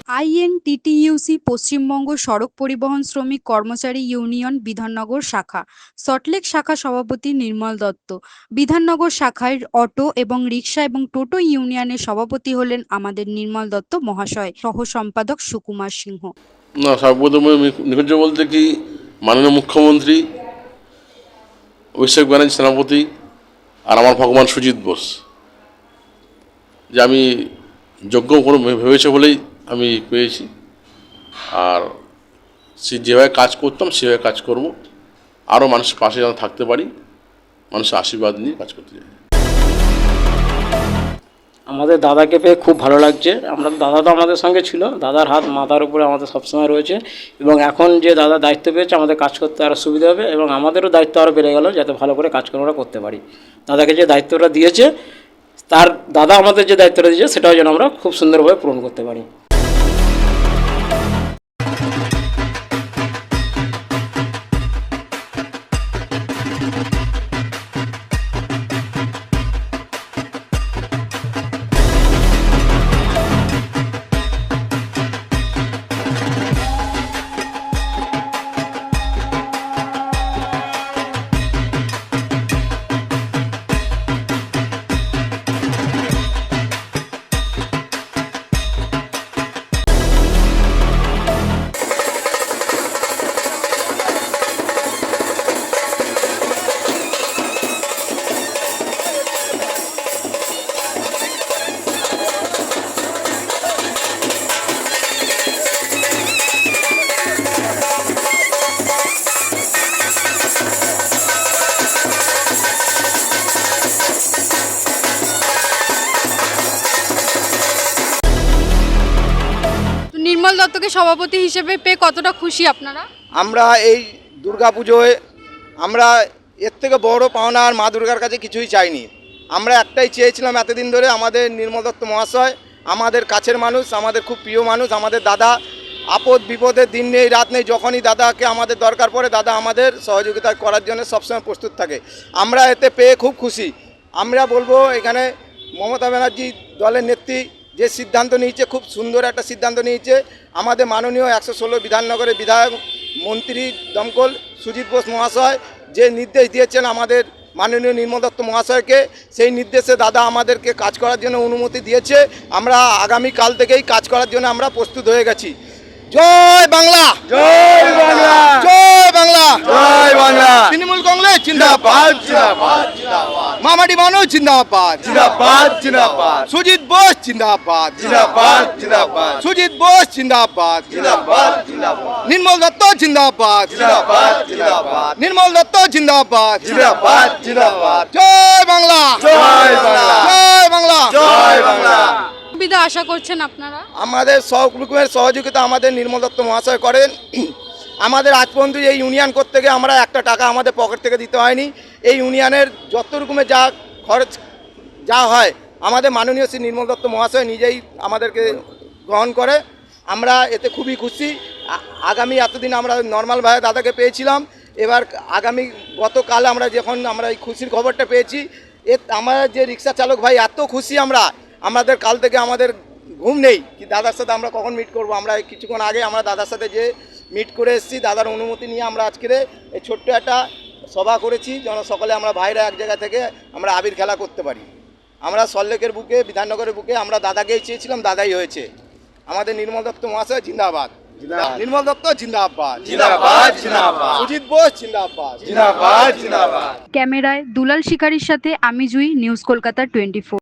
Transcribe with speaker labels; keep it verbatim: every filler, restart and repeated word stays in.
Speaker 1: INTTUC Paschimbanga সড়ক পরিবহন শ্রমিক কর্মচারী ইউনিয়ন বিধাননগর শাখা, সল্টলেক শাখা সভাপতি নির্মল দত্ত। বিধাননগর শাখায় অটো এবং রিক্সা এবং টোটো ইউনিয়নের সভাপতি হলেন আমাদের নির্মল দত্ত মহাশয়, সহ সম্পাদক সুকুমার সিংহ।
Speaker 2: না, সর্বপ্রথমে নিকটে বলতে কি, মাননীয় মুখ্যমন্ত্রী অভিষেক ব্যানার্জি সেনাপতি আর আমার ভগবান সুজিত বোস, যে আমি যোগ্য কোনো ভেবেছে বলেই আমি পেয়েছি। আর সে যেভাবে কাজ করতাম সেভাবে কাজ করব, আরও মানুষের পাশে যেন থাকতে পারি, মানুষের আশীর্বাদ নিয়ে কাজ করতে চাই।
Speaker 3: আমাদের দাদাকে পেয়ে খুব ভালো লাগছে। আমরা দাদা তো আমাদের সঙ্গে ছিল, দাদার হাত মাথার উপরে আমাদের সবসময় রয়েছে, এবং এখন যে দাদা দায়িত্ব পেয়েছে আমাদের কাজ করতে আরও সুবিধা হবে, এবং আমাদেরও দায়িত্ব আরও বেড়ে গেল যাতে ভালো করে কাজকর্মটা করতে পারি। দাদাকে যে দায়িত্বটা দিয়েছে, তার দাদা আমাদের যে দায়িত্বটা দিয়েছে সেটাও যেন আমরা খুব সুন্দরভাবে পূরণ করতে পারি।
Speaker 1: নির্মল দত্তকে সভাপতি হিসেবে পেয়ে কতটা খুশি আপনারা?
Speaker 4: আমরা এই দুর্গা পুজোয় আমরা এর থেকে বড় পাওনা আর মা দুর্গার কাছে কিছুই চাইনি। আমরা একটাই চেয়েছিলাম এতদিন ধরে, আমাদের নির্মল দত্ত মহাশয় আমাদের কাছের মানুষ, আমাদের খুব প্রিয় মানুষ, আমাদের দাদা। আপদ বিপদের দিন নেই রাত নেই, যখনই দাদাকে আমাদের দরকার পড়ে দাদা আমাদের সহযোগিতা করার জন্য সবসময় প্রস্তুত থাকে। আমরা এতে পেয়ে খুব খুশি। আমরা বলবো এখানে মমতা ব্যানার্জি দলের নেত্রী যে সিদ্ধান্ত নিয়েছে, খুব সুন্দর একটা সিদ্ধান্ত নিয়েছে। আমাদের মাননীয় একশো ষোলো বিধাননগরের বিধায়ক মন্ত্রী দমকল সুজিত বোস মহাশয় যে নির্দেশ দিয়েছেন আমাদের মাননীয় নির্মল দত্ত মহাশয়কে, সেই নির্দেশে দাদা আমাদেরকে কাজ করার জন্য অনুমতি দিয়েছে। আমরা আগামীকাল থেকেই কাজ করার জন্য আমরা প্রস্তুত হয়ে গেছি। জয় বাংলা,
Speaker 5: জয় বাংলা,
Speaker 4: জয় বাংলা,
Speaker 5: জয় বাংলা।
Speaker 4: তৃণমূল কংগ্রেস জিন্দাবাদ,
Speaker 5: জিন্দাবাদ, জিন্দাবাদ,
Speaker 4: মামাটি মানুষ জিন্দাবাদ,
Speaker 5: জিন্দাবাদ, জিন্দাবাদ,
Speaker 4: সুজিত বোস জিন্দাবাদ,
Speaker 5: জিন্দাবাদ, জিন্দাবাদ,
Speaker 4: সুজিত বোস জিন্দাবাদ,
Speaker 5: জিন্দাবাদ, জিন্দাবাদ,
Speaker 4: নির্মল দত্ত জিন্দাবাদ,
Speaker 5: জিন্দাবাদ, জিন্দাবাদ,
Speaker 4: নির্মল দত্ত জিন্দাবাদ,
Speaker 5: জিন্দাবাদ, জিন্দাবাদ,
Speaker 4: জয় বাংলা,
Speaker 5: জয় বাংলা,
Speaker 4: জয় বাংলা,
Speaker 5: জয় বাংলা।
Speaker 1: সুবিধা আশা করছেন আপনারা?
Speaker 4: আমাদের সব রকমের সহযোগিতা আমাদের নির্মল দত্ত মহাশয় করেন। আমাদের আজ পর্যন্ত এই ইউনিয়ন করতে গিয়ে আমরা একটা টাকা আমাদের পকেট থেকে দিতে হয়নি। এই ইউনিয়নের যত রকমের যা খরচ যা হয় আমাদের মাননীয় শ্রী নির্মল দত্ত মহাশয় নিজেই আমাদেরকে গ্রহণ করে। আমরা এতে খুবই খুশি। আগামী এতদিন আমরা নর্মালভাবে দাদাকে পেয়েছিলাম, এবার আগামী গতকাল আমরা যখন আমরা এই খুশির খবরটা পেয়েছি, এ আমার যে রিক্সা চালক ভাই এত খুশি আমরা, আমাদের কাল থেকে আমাদের ঘুম নেই কি দাদার সাথে আমরা কখন মিট করব। আমরা কিছুক্ষণ আগে আমরা দাদার সাথে যে মিট করে এসেছি, দাদার অনুমতি নিয়ে আমরা আজকের এই ছোট্ট একটা সভা করেছি যেন সকলে আমরা ভাইরা এক জায়গা থেকে আমরা আবির খেলা করতে পারি। আমরা সল্টলেকের বুকে, বিধাননগরের বুকে আমরা দাদাকেই চেয়েছিলাম, দাদাই হয়েছে। আমাদের নির্মল দত্ত মহাশয় জিন্দাবাদ, নির্মল দত্ত জিন্দাবাদ,
Speaker 5: জিন্দাবাদ, জিন্দাবাদ,
Speaker 4: সুজিত বোস জিন্দাবাদ,
Speaker 5: জিন্দাবাদ, জিন্দাবাদ।
Speaker 1: ক্যামেরায় দুলাল শিকারীর সাথে আমি Jui, news Kolkata twenty four.